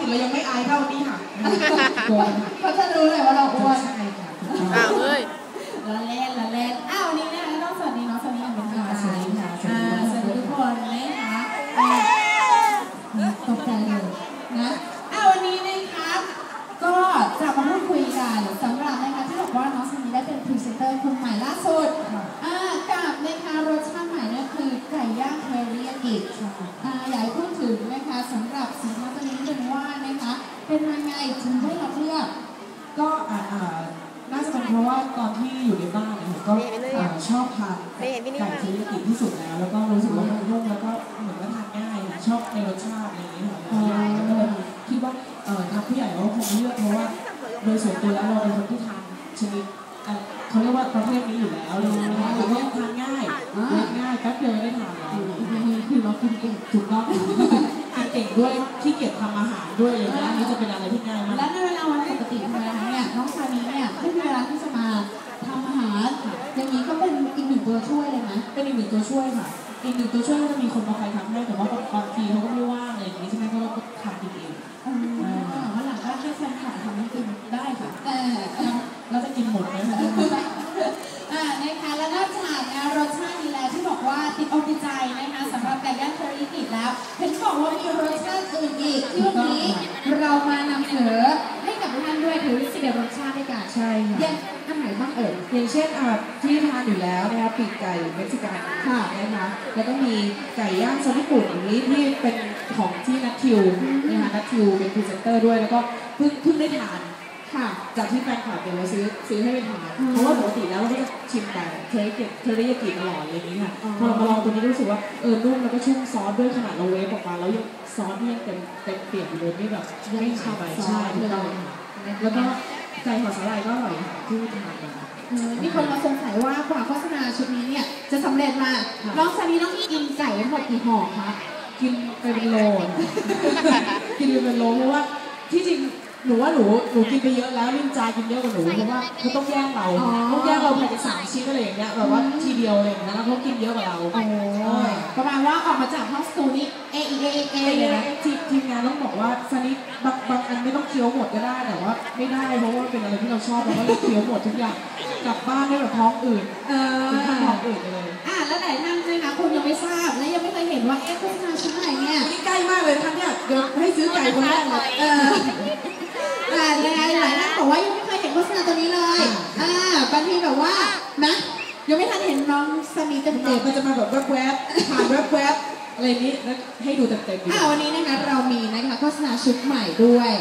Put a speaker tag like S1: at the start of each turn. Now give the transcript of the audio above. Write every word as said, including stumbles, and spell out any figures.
S1: ติดเรายังไม่อายเท่านี้ค่ะ
S2: เขาจะรู้เลยว่าเราอ้วน
S1: ใช่ค่ะ
S3: อ้าวเอ้ย
S2: ละเล่นละเล่นอ้าววันนี้นะคะน้องสวัสดีน้องสวัสดีอย่างเป็นทางการสวัสดีค่ะสวัสดีทุกคนนะคะตกใจเลยนะอ้าววันนี้นะคะก็จะมาพูดคุยกันสำหรับนะคะที่บอกว่าน้องซันนี่ได้เป็นพรีเซนเตอร์คนใหม่ล่าสุดกับนะคะรสชาติใหม่เนี่ยคือไก่ย่างเทอริยากิอยากพูดถึงนะคะสำหรับสินค้าตัวนี้เป็นว่านะคะเป็นยังไงถึงได้รับเลือก
S1: ก็น่าจะเป็นเพราะว่าตอนที่อยู่ในบ้านเนี่ยก็ชอบทานไก่เทอริยากิที่สุดแล้วแล้วก็รู้สึกว่ามันนุ่มแล้วก็เหมือนว่าทานง่ายชอบในรสชาติอะไรอย่างเงี้ยค่ะก็เลยคิดว่าทางผู้ใหญ่เราคงเลือกเพราะว่าโดยส่วนตัวแล้วเราเป็นคนที่ทานชนิดเขาเรียกว่าประเภทนี้อยู่แล้วเลยนะคะหรือว่าทานง่ายง่ายแป๊บเดียวได้ทานแล้ว
S2: คือเรากินเก่ง
S1: ถูกต้องทานเก่งด้วยขี้เกียจทำอาหารด้วยเลยนะนี่จะเป็นอะไรที่ง่ายมาก
S2: แล้วในเวลาวันปกติธรรมดาเนี่ยน้องซานีเนี่ยไม่มีเวลาที่จะมาทำอาหารอย่างนี้ก็เป็นอีกหนึ่งตัวช่วยเลยนะ
S1: เป็นอีกหนึ่งตัวช่วยค่ะอีกหนึ่งตัวช่วยก็จะมีคนมาคอยทำให้แต่ว่าบางทีเขาก็ไม่ว่างอะไรอย่างนี้ใช่ไหมก็เราก็ทำกินเอง
S2: วันหลังก็ให้แฟนคลับทำให้กินได้ค่ะเออ
S1: เราจะกินหมดไหมคะ
S2: อ่านะคะแล้วนอกจากนะรสชาตินี้แล้วที่บอกว่าติดอกติดใจนะคะสำหรับไก่ย่างเทอริยากิแล้วเห็นบอกว่ามีรสชาติอื่นอีกที่วันนี้เรามานำเสนอให้กับท่านด้วยถือสิบรสชาติด้วยกัน
S1: ใช่ค่ะ
S2: อย่างอันไหนบ้างเอ่ย
S1: อย่างเช่นที่ทานอยู่แล้วนะคะปีกไก่เม็กซิกันค่ะนะคะแล้วก็มีไก่ย่างซอสญี่ปุ่นอย่างนี้ที่เป็นของที่นัททิวนะคะนัททิวเป็นพรีเซนเตอร์ด้วยแล้วก็เพิ่งเพิ่งได้ทานค่ะจากที่แฟนคลับเดี๋ยวเราซื้อซื้อให้เป็นทานเพราะว่าปกติแล้วเราก็จะชิมแต่เทริยากิเทริยากิตลอดอะไรอย่างนี้ค่ะพอเรามาลองตัวนี้รู้สึกว่าเออนุ่มแล้วก็ชุ่มซอสด้วยขนาดเราเวฟออกมาแล้วยังซอสนี่ยังเต็มเต็มเปี่ยมอยู่เลยไม่แบบไม่ฉ่ำไปใช่ถูกต้องแล้วก็ไก่ห่อสาหร่ายก็อร่อยที่ทานมา
S2: มีคนมาสงสัยว่ากว่าโฆษณาชุดนี้เนี่ยจะสำเร็จมาน้องซานีต้องกินไก่ทั้งหมดกี่ห่อคะ
S1: กินไปเป็นโลกินไปเป็นโลเพราะว่าที่จริงหนูว่าหนูหนูกินไปเยอะแล้วลินจากินเยอะกว่าหนูเพราะว่าเขาต้องแย่งเราต้องแย่งเราภายในสามชิ้นอะไรอย่างเงี้ยแบบว่าทีเดียวอะไรอย่างเงี้ยแล้วเขากินเยอะกว่าเรา
S2: ประมาณว่าออกมาจากห้องสตูนี้เอเอเอเอเลยนะ
S1: ทีทีมงานต้องบอกว่าซันนี่บางบางอันไม่ต้องเคี้ยวหมดก็ได้แต่ว่าไม่ได้เพราะว่าเป็นอะไรที่เราชอบเราก็เลยเคี้ยวหมดทุกอย่างกลับบ้านได้แบบท้องอืดเออท้องอืดเลย
S2: อ่ะแล้วไหนท่านนะคะคุณยังไม่ทราบและยังไม่เคยเห็นว่าเอ๊ะโฆษณาชุดไหนเนี่ย
S1: นี่ใกล้มากเลยท่านเนี่ยเดี๋ยวให้ซื้อไก่คนแรกเลย
S2: เออแต่ยังไงหลายท่านบอกว่ายังไม่เคยเห็นโฆษณาตัวนี้เลยอ่าบางทีแบบว่านะยังไม่ทันเห็นน้องซานีเต็มเต็ม
S1: มันจะมาแบบแวบๆผ่านแวบๆอะไรนี้แล้วให้ดูเต็มๆอ่า
S2: วันนี้นะคะเรามีนะคะโฆษณาชุดใหม่ด้วย